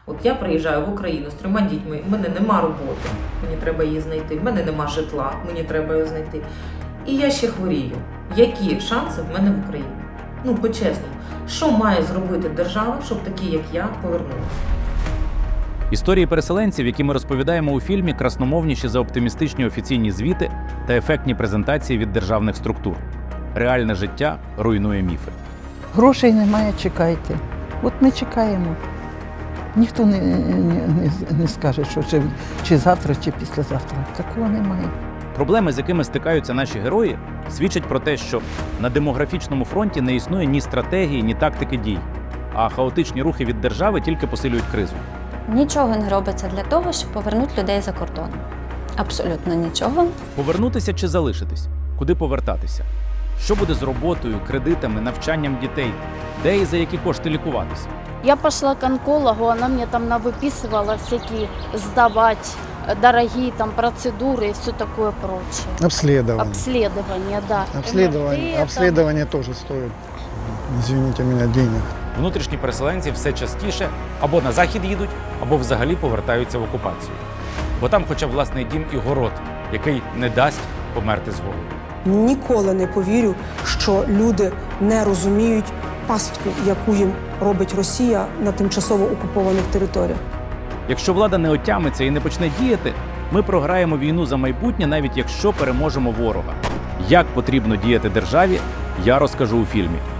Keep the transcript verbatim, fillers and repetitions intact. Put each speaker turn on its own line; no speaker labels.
От я приїжджаю в Україну з трьома дітьми, в мене нема роботи, мені треба її знайти, в мене нема житла, мені треба її знайти. І я ще хворію. Які шанси в мене в Україні? Ну, по-чесному, що має зробити держава, щоб такі, як я, повернулися?
Історії переселенців, які ми розповідаємо у фільмі, красномовніші за оптимістичні офіційні звіти та ефектні презентації від державних структур. Реальне життя руйнує міфи.
Грошей немає, чекайте. От ми чекаємо. Ніхто не, не, не, не скаже, що чи, чи завтра, чи післязавтра. Такого немає.
Проблеми, з якими стикаються наші герої, свідчать про те, що на демографічному фронті не існує ні стратегії, ні тактики дій, а хаотичні рухи від держави тільки посилюють кризу.
Нічого не робиться для того, щоб повернути людей за кордон. Абсолютно нічого.
Повернутися чи залишитись? Куди повертатися? Що буде з роботою, кредитами, навчанням дітей? Де і за які кошти лікуватися?
Я пошла к онкологу, она мне там навыписывала всякие сдавать дорогие там процедуры и все такое прочее.
Обследование.
Обследование, да.
Обследование,
МРТ,
обследование тоже стоит, извините меня, денег.
Внутрішні переселенці все частіше або на захід їдуть, або взагалі повертаються в окупацію. Бо там хоча б власний дім і город, який не дасть померти з голоду.
Ніколи не повірю, що люди не розуміють пастку, яку їм робить Росія на тимчасово окупованих територіях.
Якщо влада не отямиться і не почне діяти, ми програємо війну за майбутнє, навіть якщо переможемо ворога. Як потрібно діяти державі, я розкажу у фільмі.